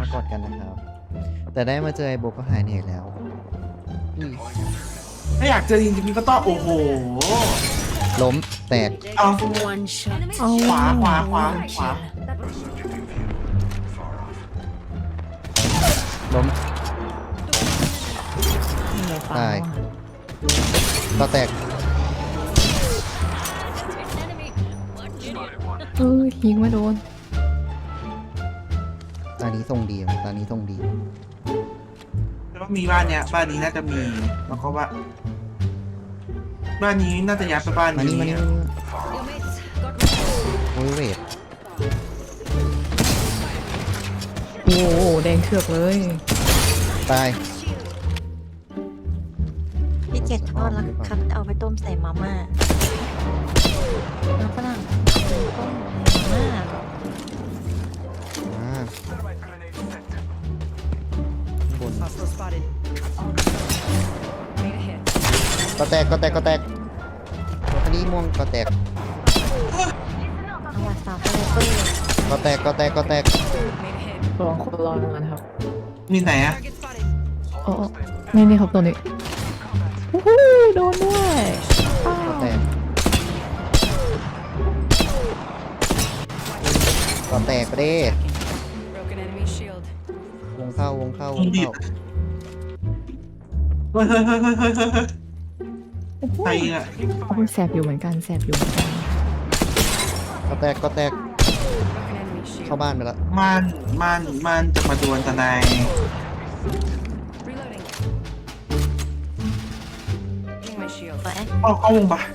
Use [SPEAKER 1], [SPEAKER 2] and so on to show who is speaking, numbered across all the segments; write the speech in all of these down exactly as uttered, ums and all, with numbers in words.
[SPEAKER 1] กอดกันนะครับ แต่ได้มาเจอไอ้โบก็หายเหนื่อยแล้วอืม
[SPEAKER 2] ถ้าอยากเจอจริงๆก็ต้องโอ้โห
[SPEAKER 1] ล้มแตก
[SPEAKER 2] เอา
[SPEAKER 3] One shot.
[SPEAKER 2] ขวาขวาขวาขวา
[SPEAKER 1] ล้ม
[SPEAKER 4] นี่ไงฟัง
[SPEAKER 1] ตาย
[SPEAKER 4] ว่ะ
[SPEAKER 1] ก็แตก
[SPEAKER 4] เออยิงไม่โดน
[SPEAKER 1] ตอนนี้ทรงดีว่ะตอนนี้ทรงดี
[SPEAKER 2] แล้วมีบ้านเนี้ยบ้านนี้น่าจะมีแล้วก็ว่าบ้านนี้น่าจะย้ายไปบ้าน
[SPEAKER 1] มา
[SPEAKER 2] นี้
[SPEAKER 1] นี่มานี่มานี่โอ้ยเวท
[SPEAKER 4] โอ้โหแดงเถือกเลย
[SPEAKER 1] ตาย
[SPEAKER 5] พี่เกดทอดแล้วครับเอาไปต้มใส่มาม่าน้ำฝรั่งต้มมาม่า
[SPEAKER 1] อ่าบน
[SPEAKER 3] Hostile spotted. Made a hit.
[SPEAKER 1] ก็แตกก็แตกก็แตกคดีม่วงก็แตก
[SPEAKER 5] เอาวัดสาวไปเลยเปิ้ล
[SPEAKER 1] ก็แตกก็แตกก็แตก
[SPEAKER 3] Made a hit.
[SPEAKER 4] ลองคนรอหนึ่งนะครับ
[SPEAKER 2] มีไหนอะ
[SPEAKER 3] Target spotted.
[SPEAKER 4] โอ้นี่นี่ครับตัวนี้โอ้โหโดนด้วยอ้า
[SPEAKER 1] ก็
[SPEAKER 4] ว
[SPEAKER 1] แตกก็แตกไปดิ
[SPEAKER 3] Broken enemy shield.
[SPEAKER 1] วงเข้าวงเข้าวงเข้า
[SPEAKER 2] เฮ้ยเฮ้ยเฮ้ยเฮ้ยเฮ้ยเฮ้ย
[SPEAKER 4] โอ้โห
[SPEAKER 2] ใครอะ
[SPEAKER 4] โอ้ยแสบอยู่เหมือนกันแสบอยู่เหมือนกัน
[SPEAKER 1] ก็แตกก็แตก
[SPEAKER 3] Broken enemy shield.
[SPEAKER 1] เข้าบ้านไปแล้ว
[SPEAKER 2] มันมันมันจะมาดวลทนาย
[SPEAKER 3] Reloading. Getting my shield.
[SPEAKER 5] ไป
[SPEAKER 2] เข้าเข้าวงปะ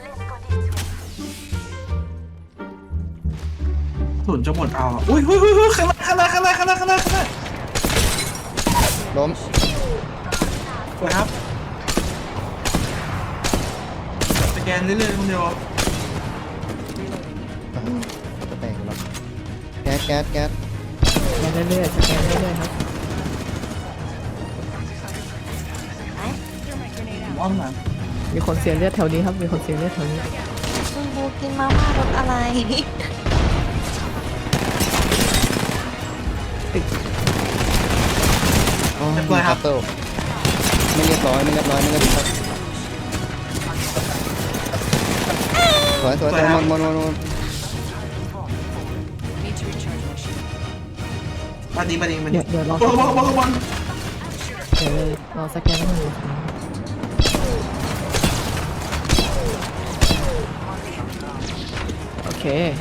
[SPEAKER 2] ศูนย์จะหมดเอาอะอุ้ยอุ้ยอุ้ยอุ้ยข้างหน้าข้างหน้าข้างหน้าข้างหน้าข้างหน้าข้างหน้า
[SPEAKER 1] ล้ม
[SPEAKER 2] สวยครับสแกนเรื่อยๆคนเดียว
[SPEAKER 1] ก็แตกแล้วแก๊สแก๊สแก๊ส
[SPEAKER 4] สแกนเรื่อยๆสแกนเรื่อยๆครับ
[SPEAKER 3] Thermite grenade out.
[SPEAKER 2] อ้อมหลัง
[SPEAKER 4] มีคนเสียเลือดแถวนี้ครับมีคนเสียเลือดแถวนี้
[SPEAKER 5] คุณบูกินมาม่ารสอะไร
[SPEAKER 1] โอ้ยมีคัตเตอร์ไม่เรียบร้อยไม่เรียบร้อยไม่เรียบร้อยสวยสวยสวยหมดหมดหมดหมด
[SPEAKER 3] Need to recharge my shield.
[SPEAKER 2] มาดีมาดีมาดี
[SPEAKER 4] เดี๋ยวเดี๋ยวรอ
[SPEAKER 2] โอ้โหโอ้โหโอ้โห
[SPEAKER 4] เดี๋ยวเลยรอสแกนให้มันอยู่โอเค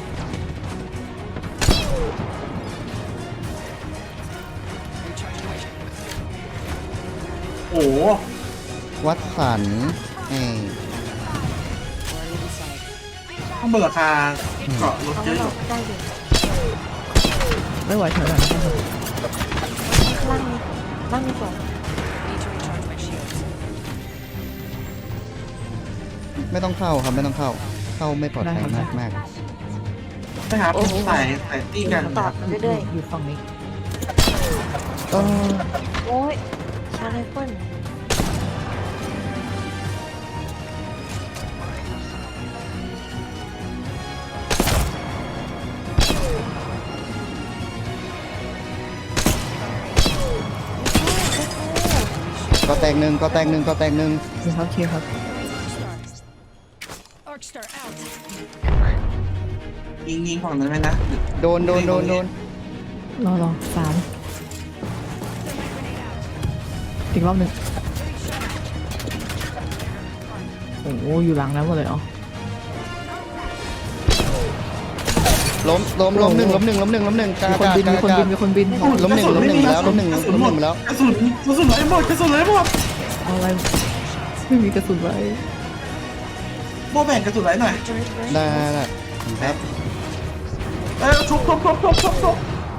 [SPEAKER 3] Recharging my shield.
[SPEAKER 2] โอ้โห
[SPEAKER 1] วัดสันเอ้ย
[SPEAKER 3] Already inside.
[SPEAKER 2] ต้องเบิกราคาเกาะรถ
[SPEAKER 5] เอา
[SPEAKER 2] เย
[SPEAKER 5] ไว้
[SPEAKER 2] อะ
[SPEAKER 5] ห
[SPEAKER 2] อ
[SPEAKER 5] ล
[SPEAKER 2] ยู่
[SPEAKER 5] บได้อยู่
[SPEAKER 4] ไม่ไหวแถวไหนนะครับ
[SPEAKER 5] ข้างล่างนี้ล่างนี้ก่อน
[SPEAKER 3] Need to recharge my shield.
[SPEAKER 1] ไม่ต้องเข้าครับไม่ต้องเข้า เข้าไม่ปลอดภัยมากมาก
[SPEAKER 2] ใช่ครับใส่ใส่ตีกัน
[SPEAKER 5] ตอดมันเรื่อย
[SPEAKER 4] อยู่ฝั่งนี้
[SPEAKER 1] เออ
[SPEAKER 5] ๆโอ้ยชาร์จไรเฟิล
[SPEAKER 1] ก็แตกหนึ่งก็แตกหนึ่งก็แตกหนึ่ง
[SPEAKER 4] มีครับเคลียร์ครับ
[SPEAKER 3] Arc star out.
[SPEAKER 2] ยิงยิงฝั่งนั้นไหมนะ
[SPEAKER 1] โดนโดนโดนโดน
[SPEAKER 4] รอรอสามอีกรอบหนึ่งโอ้โหอยู่หลังแล้วหมดเลยอ๋อ
[SPEAKER 1] ล้มล้มล้มหนึ่งล้มหนึ่งล้มหนึ่งล้มหนึ่งกา
[SPEAKER 4] มีคน
[SPEAKER 1] กา
[SPEAKER 4] บิน
[SPEAKER 1] กา
[SPEAKER 4] มีคน
[SPEAKER 1] กา
[SPEAKER 4] บินมีคนบิน
[SPEAKER 1] ล้มหนึ่งล้มหนึ่งแล้วล้มหนึ่งล้มหนึ่งแล้ว
[SPEAKER 2] กระสุนกระสุนไหลหมดกระสุนไหลหมด
[SPEAKER 4] เอาอะไรไม่มีกระสุนไว้
[SPEAKER 2] โบแบ่งกระสุนไหลหน่อย
[SPEAKER 1] ได้ได้ครับ
[SPEAKER 2] เออทุบทุบทุบทุบทุบทุบ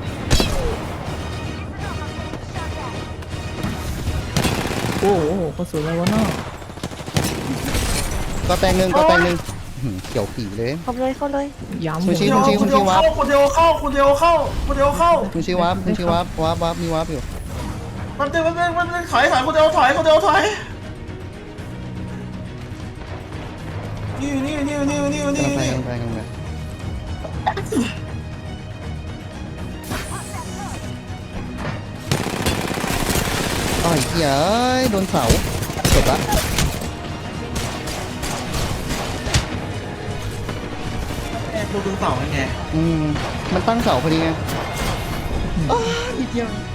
[SPEAKER 4] โอ้โหกระสุนอะไรวะเนาะ
[SPEAKER 1] ก็แตกหนึ่งก็แตกหนึ่งหืมเขียวปีเลย
[SPEAKER 5] เข้าเลยเข้าเลย
[SPEAKER 4] ย้ำ
[SPEAKER 1] ซูชิ
[SPEAKER 2] เดียวคนเดียวเข้าคนเดียวเข้าคนเดียวเข้าคนเดียวเข้า
[SPEAKER 1] คุณชื่อวับคุณชื่อวับวับวับมีวับอยู่
[SPEAKER 2] มันเดินมันเดินมันเดินถอยถอยคนเดียวถอยคนเดียวถอยนี่นี่นี่นี่นี่นี่
[SPEAKER 1] กำลังไป
[SPEAKER 2] นี่
[SPEAKER 1] กำลังไปกำลังไปไอ้เหี้ยเอ้ยโดนเสาจบละ
[SPEAKER 2] แอบดูดูเสาไง
[SPEAKER 1] อืมมันตั้งเสาพอดีไงอ้านิดเดียว